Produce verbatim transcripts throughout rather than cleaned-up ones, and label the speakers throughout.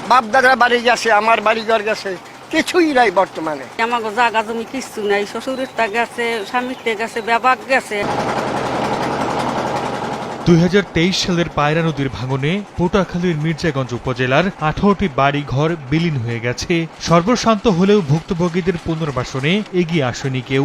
Speaker 1: বাপ দাদার বাড়ি গেছে, আমার বাড়ি ঘর গেছে, কিছুই নাই বর্তমানে।
Speaker 2: আমার জায়গা জমি কিছু নাই, শ্বশুরের তা গেছে, স্বামীর তে গেছে, ব্যাপাক গেছে।
Speaker 3: দুই হাজার তেইশ সালের পায়রা নদীর ভাঙনে পটুয়াখালীর মির্জাগঞ্জ উপজেলার আঠারোটি বাড়ি ঘর বিলীন হয়ে গেছে। সর্বশান্ত হলেও ভুক্তভোগীদের পুনর্বাসনে এগিয়ে আসেনি কেউ।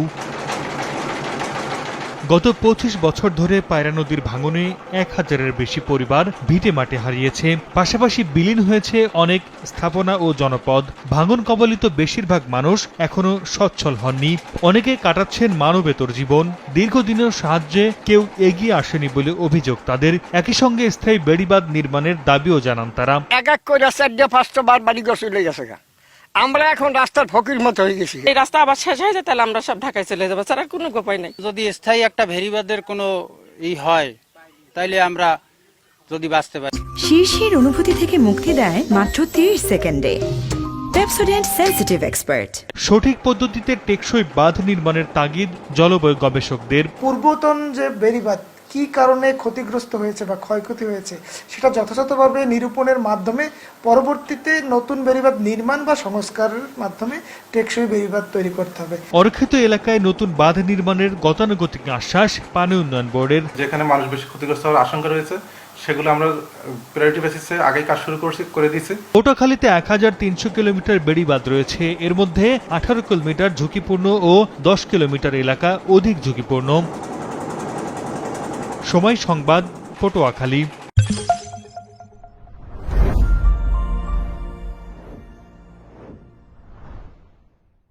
Speaker 3: গত পঁচিশ বছর ধরে পায়রা নদীর ভাঙনে এক হাজারের বেশি পরিবার ভিটে মাটি হারিয়েছে। পাশাপাশি বিলীন হয়েছে অনেক স্থাপনা ও জনপদ। ভাঙন কবলিত বেশিরভাগ মানুষ এখনো সচ্ছল হননি। অনেকে কাটাচ্ছেন মানবেতর জীবন। দীর্ঘদিনের সাহায্যে কেউ এগিয়ে আসেনি বলে অভিযোগ তাদের। একই সঙ্গে স্থায়ী বেড়িবাঁধ নির্মাণের দাবিও জানান তারা।
Speaker 1: এক এক করে চারটে পাঁচটা বার বাড়ি ঘর চলে গেছে। আমরা এখন রাস্তার ফকির মতো হয়ে গেছি।
Speaker 2: এই রাস্তা আবার শেষ হয়ে যায়, তাহলে আমরা সব ঢাকায় চলে যাবো, ছাড়া কোনো উপায় নাই।
Speaker 4: যদি স্থায়ী একটা ভেরিবাদের কোনো ই হয়, তাইলে আমরা যদি বাঁচতে পারি।
Speaker 5: শীর্ষের অনুভূতি থেকে মুক্তি দেয় মাত্র ত্রিশ সেকেন্ডে। Pepsodent sensitive expert.
Speaker 3: সঠিক পদ্ধতিতে টেকসই বাঁধ নির্মাণের তাগিদ জলবায়ু গবেষকদের।
Speaker 6: পূর্বতন যে বেড়িবাঁধ কি কারণে ক্ষতিগ্রস্ত হয়েছে বা ক্ষয়ক্ষতি হয়েছে সেটা যথাযথভাবে নিরূপণের মাধ্যমে পরবর্তীতে নতুন বেড়িবাঁধ নির্মাণ বা সংস্কারের মাধ্যমে টেকসই বেড়িবাঁধ তৈরি করতে হবে।
Speaker 3: অরক্ষিত এলাকায় নতুন বাঁধ নির্মাণের গতানুগতিক আশ্বাস পানি উন্নয়ন বোর্ডের।
Speaker 7: যেখানে মানুষ বেশি ক্ষতিগ্রস্ত হওয়ার আশঙ্কা রয়েছে সেগুলো আমরা প্রায়োরিটি বেসিসে আগেই কাজ শুরু করছি করে দিয়েছি।
Speaker 3: পটুয়াখালীতে এক হাজার তিনশো কিলোমিটার বেড়িবাঁধ রয়েছে। এর মধ্যে আঠারো কিলোমিটার ঝুঁকিপূর্ণ ও দশ কিলোমিটার এলাকা অধিক ঝুঁকিপূর্ণ। সময় সংবাদ, পটুয়াখালী।